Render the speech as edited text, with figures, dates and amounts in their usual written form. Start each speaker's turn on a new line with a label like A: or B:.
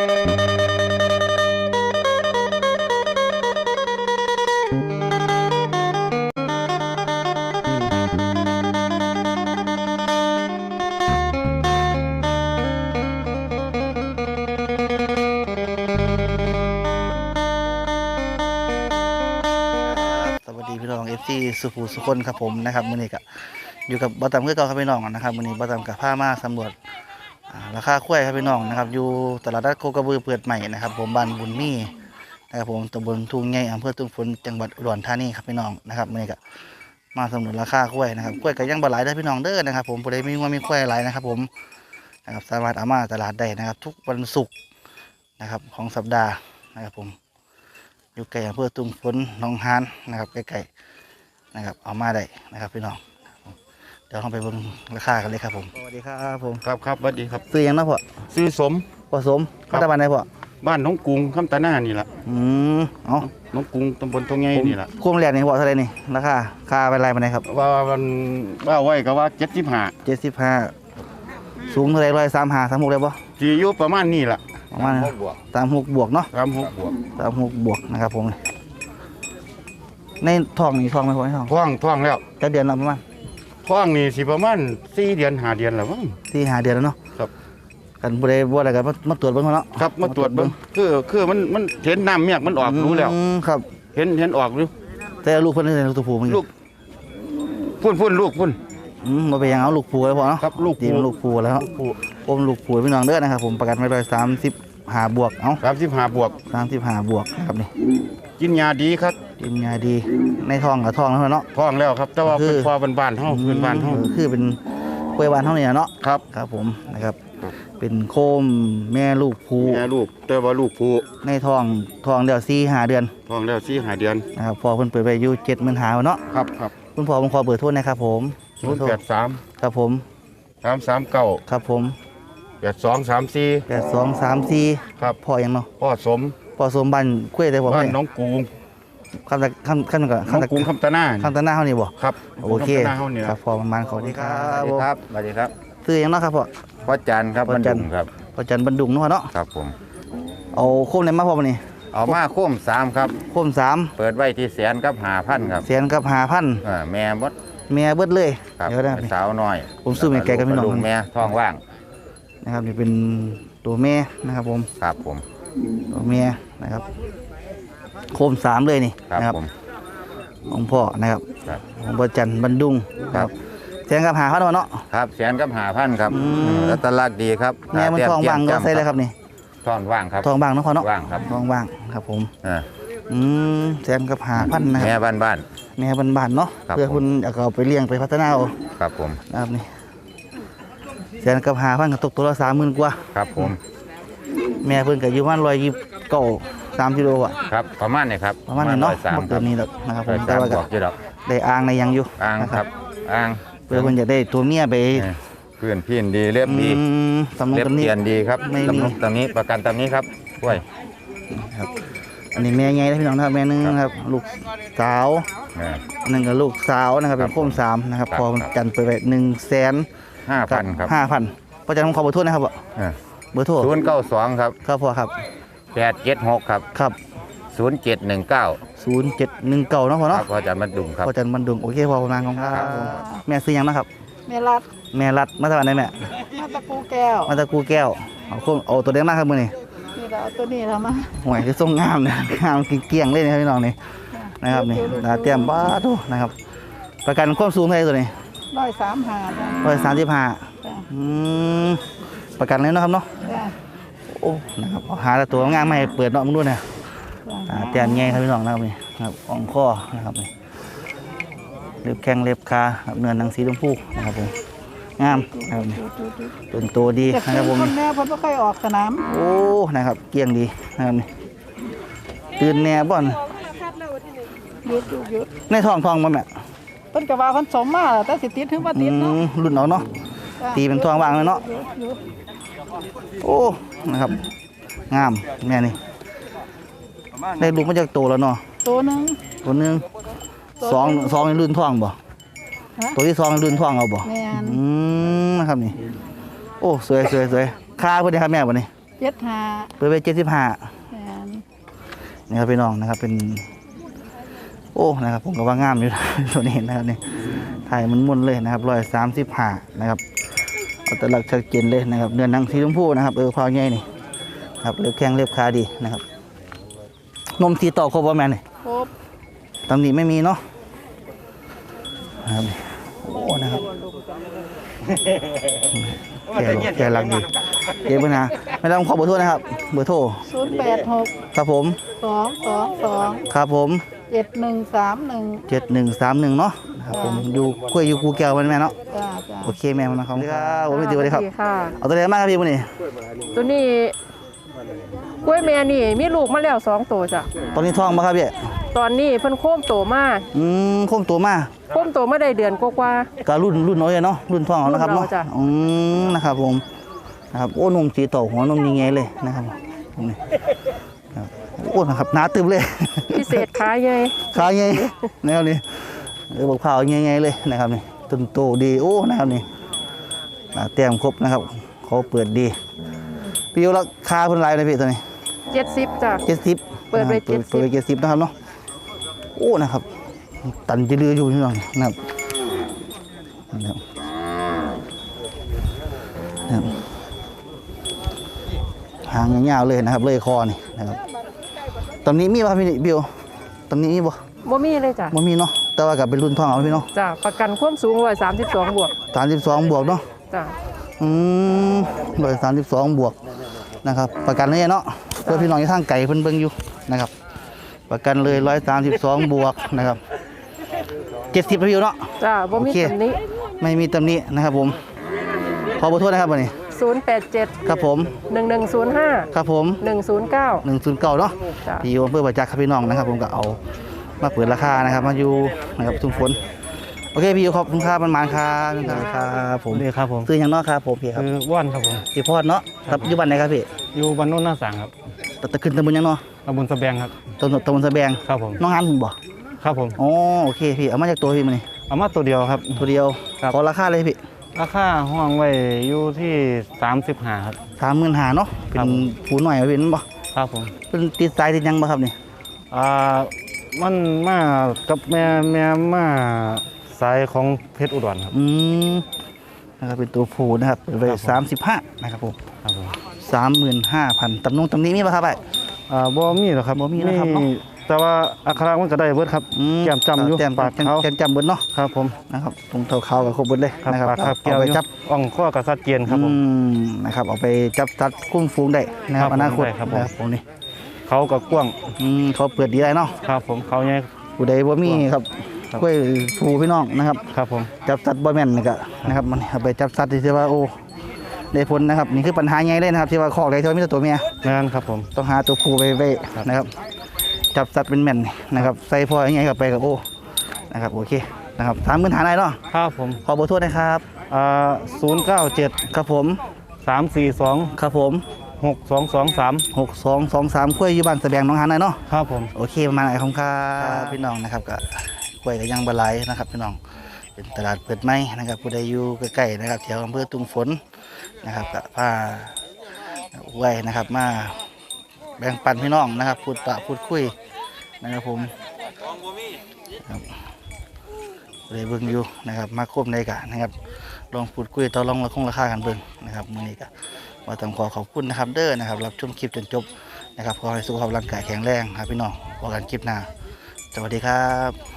A: พี่น้องFCสุภูสุคนครับผมนะครับมื้อนี้ก็อยู่กับบ่ตำคือเก่าครับพี่น้องนะครับมื้อนี้บ่ตำกับพามาสำรวจราคาควายครับพี่น้องนะครับอยู่ตลาดนัดโคกระบือเปิดใหม่นะครับผมบ้านบุญมีนะครับผมตำบลทุ่งใหญ่อำเภอทุ่งฝนจังหวัดอุดรธานีครับพี่น้องนะครับมื้อนี้ก็มาสำรวจราคาควายนะครับควายก็ยังบ่หลายเด้อพี่น้องเด้อนะครับผมผู้ใดมีงัวมีควายหลายนะครับผมนะครับสามารถเอามาตลาดได้นะครับทุกวันศุกร์นะครับของสัปดาห์นะครับผมอยู่ใกล้อำเภอทุ่งฝนหนองหานนะครับใกล้ๆนะครับเอามาได้นะครับพี่น้องเดี๋ยวเราไปเบิ่งราคากันเลยครับผมสวัสดีครับผม
B: ครับสวัสดีครับ
A: ซื้อยังนะพ่อ
B: ซื้อสม
A: ผสมรัฐบาลไหนพ่อ
B: บ้านน้องกรุงคำตาหน้านี่แหละ
A: เอา
B: น้องกรุงตำบลตรงไงนี่แหละ
A: คุ้มแรกนี่พ่อเท่าไรนี่ราคาค่าเป็นไรมาไหนครับ
B: ว่าไว้ก็ว่า
A: 75สูงเท่าไร135 36ได้ป่ะ
B: จีอยู่ประมาณนี้แหละ
A: ประมาณ36 บวกเนาะ
B: 36 บวก
A: นะครับผมในท้องนี่ท้องไหมพ่อ
B: ท้องแล้ว
A: จะเดือนละประมาณ
B: ท้องนี่สิประมาณ4 เดือน5 เดือนแล้วมั้ง
A: 4-5 เดือนแล้วเนาะ
B: ครับ
A: กันบ่ได้บ่อะไรกันมาตรวจเบิ่งเนาะ
B: ครับมาตรวจเบิ่งคือมันเห็นน้ำเมียกมันออกรู้แล้ว
A: ครับ
B: เห็นออกรู้
A: แต่ลูกเพิ่นเป็นลูกตัวผู้มั้ง
B: ลูกพุ่นลูกพุ่น
A: มาไปยังเอาลูกผูแล้วพอเนาะ
B: ครับลูก
A: ผูแล้วอมลูกผูพี่น้องเด้อนะครับผมประกันไว้135 บวกเอา
B: 35 บวก
A: นะครับนี่
B: กินยาดีครับ
A: กินยาดีในท้องกับท้องแล้วเนาะ
B: ท้องแล้วครับแต่ว่าเป็นพอบ้านเฮาเป็นบ้านเฮา
A: คือเป็นกล้วยบ้านเฮาเนี่ยเนาะ
B: ครับ
A: ผมนะครับเป็นโคมแม่ลูกผู
B: แต่ว่าลูกผู
A: ในท้องเดี๋ยว4-5 เดือน
B: ท้องแล้ว4-5 เดือน
A: นะครับพอเพิ่นเปิดไปอยู่75,000เนาะ
B: ครับ
A: คุณพ่อผมขอเบอร์โทรนะครับผม
B: 083
A: ครับผม
B: 339
A: ครับผม
B: 8234ครับ
A: พ่อยังเนาะ
B: พ่อสม
A: บ้านกล้วยได้บ่
B: บ้านน้องกรุง
A: คำ
B: น้องกรุงคำตาหน้า
A: เฮานี่บ่
B: ครับ
A: โอเคครับพ่อประมาณขอดี
B: ครับสวัสดีครับ
A: ซื้อยังเนาะครับ
B: พ่อจันครับบรรดุงครับ
A: พ่อจันบรรดุงเนาะ
B: ครับผม
A: เอาโคมไหนมาพ่อมื้อนี้
B: เอามาโคม3ครับ
A: โคม3
B: เปิดไว้ที่100,000 กับ 5,000ครับ
A: 100,000 กับ 5,000
B: แม่เ
A: บิดเลย
B: เดี๋ยวได้สาวน้อย
A: ผมซื้อแม่แก่กับพี่น้อง
B: แม่ท้องว่าง
A: นะครับนี่เป็นตัวแม่นะครับผม
B: ครับผม
A: ตัวแม่นะครับโคม3เลยนี่
B: นะครับ
A: ของพ่อนะครับของพ่อจันบรรดุง
B: ครับ
A: 100,000 กับ 5,000เนาะ
B: ครับ100,000 กับ 5,000ครับแล้วตลาดดีครับ
A: แม่มันท้องว่างก็ใส่เลยครับนี่
B: ท้องว่างครับ
A: ท้องว่างเนาะพ่อเนาะ
B: ว่างครับ
A: ท้องว่างครับผม100,000 กับ 5,000นะครับ
B: แม่บ้าน
A: เนาะเพื่อคุณอยากเอาไปเลี้ยงไปพัฒนาเอา
B: ครับผม
A: นะครับนี่100,000 กับ 5,000ก็ตกตัวละ30,000 กว่า
B: ครับผม
A: แม่เพิ่นก็อยู่ประมาณ129-3 กิโลอ่ะ
B: ครับประมาณนี้ครับ
A: ประมาณนี้เนาะหมดตัวนี้แล้วนะครับผมแต่ว่าก็ได้อ่างในยังอยู่
B: อ่างครับอ่าง
A: เพื่อเพิ่นจะได้ตัวเมียไป
B: เพื่อนพี่ดีเรียบดีเรียบเตียนดีครับตำนี้ประกันตำนี้ครับกล้วย
A: ครับอันนี้แม่ใหญ่นะพี่น้องนะครับแม่นึงครับลูกสาวนึงกับลูกสาวนะครับเป็นโคม3นะครับพอจันไปไป
B: 150,000ครับ
A: 5,000พอจันผมขอเบอร์โทรนะครับเบอร์โทร
B: 092ครับ
A: ครับพ่อครับ
B: 876ครับ0719
A: เนาะพ่อเนาะ
B: พอจันบรรดุงครับ
A: พอจันบรรดุงโอเคพอประมาณของครับแม่ซื้อยังนะครับ
C: แม่รั
A: ดมาจากไหนแม่
C: มาตะกูแก้ว
A: เอาตัวเด็กมากครับมือนี่
C: เอาตัวนี้แล้วมา
A: หวยคือทรงงามเนี่ยงามเกี่ยงเลยนะครับพี่น้องนี่นะครับนี่เตรียมบ้าทุนะครับประกันความสูงเท่าไหร่ตัวนี้
C: 135
A: ประกันเลยนะครับเนาะโอ้นะครับหาตัวงามมาให้เปิดเนาะมึงดูเนี่ยเตรียมแง่ครับพี่น้องนะครับนี่ครับอ่องข้อนะครับนี่เล็บแข้งเล็บขาเนื้อหนังสีชมพูนะครับผมงามนะครับเป็นตัวดีนะครับผม
C: แม่เพิ่นบ่ค่อยออกสนาม
A: โอ้นะครับเกี่ยงดีนะครับนี่ตื่นแน่บ่อน
C: ยุด
A: ในท้องบ่แม่
C: เพิ่นก็ว่าเพิ่นสมมาแต่สิติดถึงบ่ติดเนาะ
A: รุ่นเอาเนาะตีเป็นท้องว่างเลยเนาะโอ้นะครับงามแม่นี่ได้ลูกมาจากโตแล้วเนาะ
C: ตัวนึง
A: 2ในรุ่นท้องบ่ตัวที่2ในรุ่นท้องเอาบ่นะครับนี่โอ้สวยค่าเพิ่นได้ครับแม่บ่นี่
C: 75
A: เปิดไป75
C: แม่น
A: นี่ครับพี่น้องนะครับเป็นโอ้นะครับผมก็ว่างามอยู่ ตัวนี้นะครับนี่ถ่ายมันมุนเลยนะครับ135นะครับเอาแต่หลักชัดเจนเลยนะครับเนื้อหนังสีชมพูนะครับพอใหญ่นี่ครับเล็บแข้งเล็บขาดีนะครับนมสีต่อครบว่าแม่นี่
C: ครบ
A: ตำหนิไม่มีเนาะนะครับโอ้นะครับแกรักดีเก็บไว้นะไม่ต้องขอเบอร์โทรนะครับเบอร์โทร
C: 086
A: ครับผม
C: 222
A: ครับผม
C: 7131
A: 7131เนาะนะครับผมอยู่กล้วยอยู่กูแก้วมันแม่เนาะ
C: จ้าจ้า
A: โอเคแม่มันนะครับผมพี่ติวเลยครับ
D: ค่ะ
A: เอาตัวไหนมากครับพี่วันนี้
D: ตัวนี้กล้วยแม่นี่มีลูกมาแล้ว2ตัวจ้ะ
A: ตอนนี้ท้องมาครับพี่
D: ตอนนี้เพิ่นโค้มโตมา
A: โค้มตัวมา
D: โค้มโตมาได้เดือนกว่า
A: ก็รุ่นน้อยเนาะรุ่นท้องเอานะครับเนาะ
D: รุ่นเราจ้ะ
A: นะครับผมนะครับโอ้นมสีต่อหัวนมยังไงเลยนะครับนี่ครับโอ้นะครับหนาตึมเลย
D: ๆพิเศษขาใหญ่
A: ขาไงนะครับนี่บอกเผาไงเลยนะครับนี่ต้นโตดีโอ้นะครับนี่เตรียมครบนะครับเขาเปิดดีพี่ยกราคาเพิ่นไลน์เลยพี่ตัวนี้
D: 70จ้ะ
A: 70
D: เปิดไว้
A: เปิดไว้70นะครับเนาะโอ้นะครับตันจะดื้ออยู่นี่น้องนะครับนะครับหางยาวๆเลยนะครับเลยคอนี่นะครับตอนนี้มีป่ะพี่บิวตอนนี้มีบ่
D: บ่มีเลยจ้ะ
A: บ่มีเนาะแต่ว่ากับเป็นรุ่นทองเอาพี่เนาะ
D: จ้ะประกันความสูง132บวก
A: 32บวกเนาะ
D: จ้ะ
A: 132บวกนะครับประกันเลยเนาะเพื่อพี่น้องที่ทางไก่เพิ่นเบิ่งอยู่นะครับประกันเลย132บวกนะครับ70พี่เนาะ
D: จ้ะบ่มี
A: โอเค
D: ตำหนี้
A: ไม่มีตำหนินะครับผมขอขอโทษนะครับวันนี้
D: 087
A: ครับผม
D: 1105
A: ครับผม
D: 109
A: 109เนาะ
D: จ้ะ
A: พี่อำเภอประจักษ์ครับพี่น้องนะครับผมก็เอามาเปิดราคานะครับมาอยู่นะครับทุ่งฝนโอเคพี่ขอบคุณครับมันๆครับครับผม
E: นี่ครับผม
A: ซื้ออย่างเนอกครับผมพี่ครับ
E: คือว่านครับผม
A: พี่พอดเนาะครับอยู่บ้านไหนครับพี่
E: อยู่บ้านโน้นหน้าสางครับ
A: ตะขึ้นตำบลยังเนาะ
E: ตำบลสะแบงครับ
A: ตำบลสะแบง
E: ครับผม
A: น้องงานผมบ่
E: ครับผม
A: อ๋อโอเคพี่เอามาจากตัวพี่มานี่
E: เอามาตัวเดียวครับ
A: ตัวเดียว
E: ครับ
A: ขอราคาเลยพี่
E: ราคาห้องไว้อยู่ที่35ครับ
A: 35,000เนาะเป็
E: ครั
A: น
E: บผม
A: ผู้หน่อยเป็นบ่
E: ครับผม
A: เป็นติดสายติดหยังบ่ครับนี่
E: มันมากับแม่มาสายของเพชรอุดรครับ
A: นะครับเป็นตัวผู้นะครับเปิดไว้
E: ครับผม
A: 35นะครับผม
E: ครับผม
A: 35,000ตำนี้มีป่ะครับไอ้
E: บ่มีหรอกครับ
A: บ่มีนะครับเนาะ
E: แต่ว่าอัคระมันก็ได้เบิดครับแก้มจำอยู่
A: แก้ม
E: ปากเขา
A: แก้มจำเบิดเนาะ
E: ครับผม
A: นะครับตรงเท้าเขากับครบเบิดเลย
E: ครับ
A: นะครับ
E: ปากครับ
A: เอา
E: แก้ว
A: ไป
E: อยู่
A: จับ
E: อ่องข้อกับสัดเกียนครับผม
A: นะครับเอาไปจับตัดคุ้มฟูงได้นะครับ
E: ครับ
A: อนาคต
E: ได้ครับผม
A: นะครับผมนี่
E: เขากับกว้าง
A: เขาเปิดดีได้เนาะ
E: ครับผมเขาเนี่ย
A: ผู้ใดบ่มีครับ
E: ครับ
A: กล้วยผูพี่น้องนะครับ
E: ครับผม
A: จับสัตว์บ่แม่นนี่ก็นะครับมันเอาไปจับสัตว์ที่ว่าโอ้ได้ผลนะครับนี่คือปัญหาใหญ่เลยนะครับที่ว่าคอกใดที่ว่ามีแต่ตัวเมีย
E: งานครับผม
A: ต้องหาตัวผู้ไปไว้นะครับจับสัตว์เป็นแม่นนะครับใส่พอยังไงกับไปกับโอ้นะครับโอเคนะครับ35,000ได้เนาะ
E: ครับผม
A: ขอเบอร์โทรนะครับ
E: 097
A: ครับผม
E: 342
A: ครับผม
E: 6223
A: 6223กล้วยอยู่บ้านสะแบงหน้องหานได้เนาะ
E: ครับผม
A: โอเคประมาณไหนครับพี่น้องนะครับก็กล้วยก็ยังบหลายนะครับพี่น้องเป็นตลาดเปิดใหม่นะครับผู้ใดอยู่ใกล้ๆนะครับแถวอำเภอตุงฝนนะครับก็พาไว้นะครับมาแบ่งปันพี่น้องนะครับพูดคุยนะครับผมครับเลยเบิ่งอยู่นะครับมาควบในกันนะครับลองพูดคุยต่อรองราคากันเบิ่งนะครับมื้อนี้ก็ว่าต้องขอบคุณนะครับเด้อนะครับรับชมคลิปจนจบนะครับขอให้สุขภาพร่างกายแข็งแรงครับพี่น้องพบกันคลิปหน้าสวัสดีครับ